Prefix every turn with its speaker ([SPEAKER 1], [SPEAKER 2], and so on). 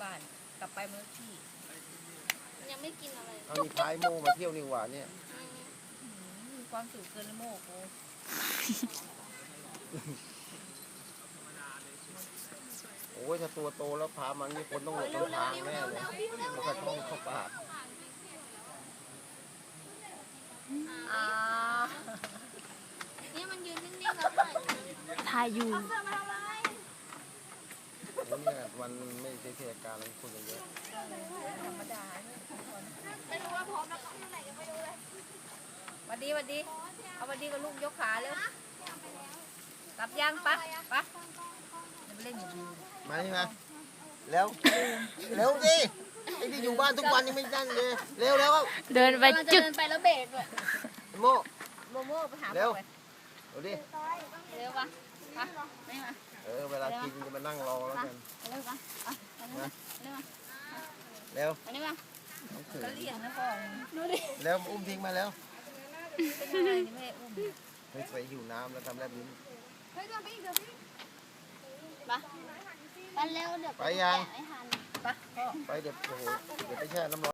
[SPEAKER 1] บ้านกลับไปมันขี้
[SPEAKER 2] ยังไม่กินอะไร
[SPEAKER 3] เอานี่พายโม่มาเที่ยวนี่หว่าเนี่ย
[SPEAKER 1] มีความสุขเกินโมกโอ้
[SPEAKER 3] โอ้ยถ้าตัวโตแล้วพามันนี่คนต้องหลบต้นทางแน่เลยมันก็ต้องเข้าป่า
[SPEAKER 1] อ่า
[SPEAKER 2] เนี่ยมันยืนนิ่งๆแล้วถ่าย
[SPEAKER 4] ถ่ายอยู่
[SPEAKER 2] เอาเสื้อมาทำอะไร
[SPEAKER 3] โอ้ยเนี่ยมันไม่ใช่เทศกาลอะไรคนเยอะ
[SPEAKER 1] ธรรมดาเนี่ย
[SPEAKER 2] ไม่รู้ว่าพร้อมแล้วก็ที่ไหนก็ไม่รู้เลย
[SPEAKER 1] หวัดดีหวัดดีเอาหวัดดีกับลูกยกขาเร็วกลับยังปะปะเดี๋ยวไปเล่นอยู่ดี
[SPEAKER 3] มานี่มาแล้วเร็วดิไอ้ที่อยู่บ้านทุกวันยังไม่นั่นเลยเร็วแล้ว
[SPEAKER 4] เดินไป
[SPEAKER 2] กำลังจะ
[SPEAKER 4] จุด
[SPEAKER 2] เดินไปแล้วเบรกด้วย
[SPEAKER 3] โม่
[SPEAKER 1] โมโมไปหา
[SPEAKER 3] เร็ว
[SPEAKER 1] ไป
[SPEAKER 3] เอาดิ
[SPEAKER 2] เร็วปะปะไม่มา
[SPEAKER 3] เวลากินจะมานั่งรอแล้วกัน
[SPEAKER 2] เร็วปะไปเร็วมาเร็วมา
[SPEAKER 3] เร็ว
[SPEAKER 2] อันนี้มา
[SPEAKER 3] น้องเขือ
[SPEAKER 1] ก็เลี้ยงนะพ่อ
[SPEAKER 2] ดูดิ
[SPEAKER 3] แล้วอุ้มทิ้งมาแล้ว
[SPEAKER 1] เป็นยังไงนี่ไม่ได้อุ้ม
[SPEAKER 3] เฮ้ยไปหิวน้ำแล้วทำแลบลิ้น
[SPEAKER 2] เฮ้ยเดินไปอีกเดินไปอีกปะไปเร็วเดี๋ยว
[SPEAKER 3] ไปยัง
[SPEAKER 2] แกะไม่ทัน
[SPEAKER 1] ปะพ่อ
[SPEAKER 3] ไปเดี๋ยวโอ้โหเดี๋ยวไปแช่น้ำร้อน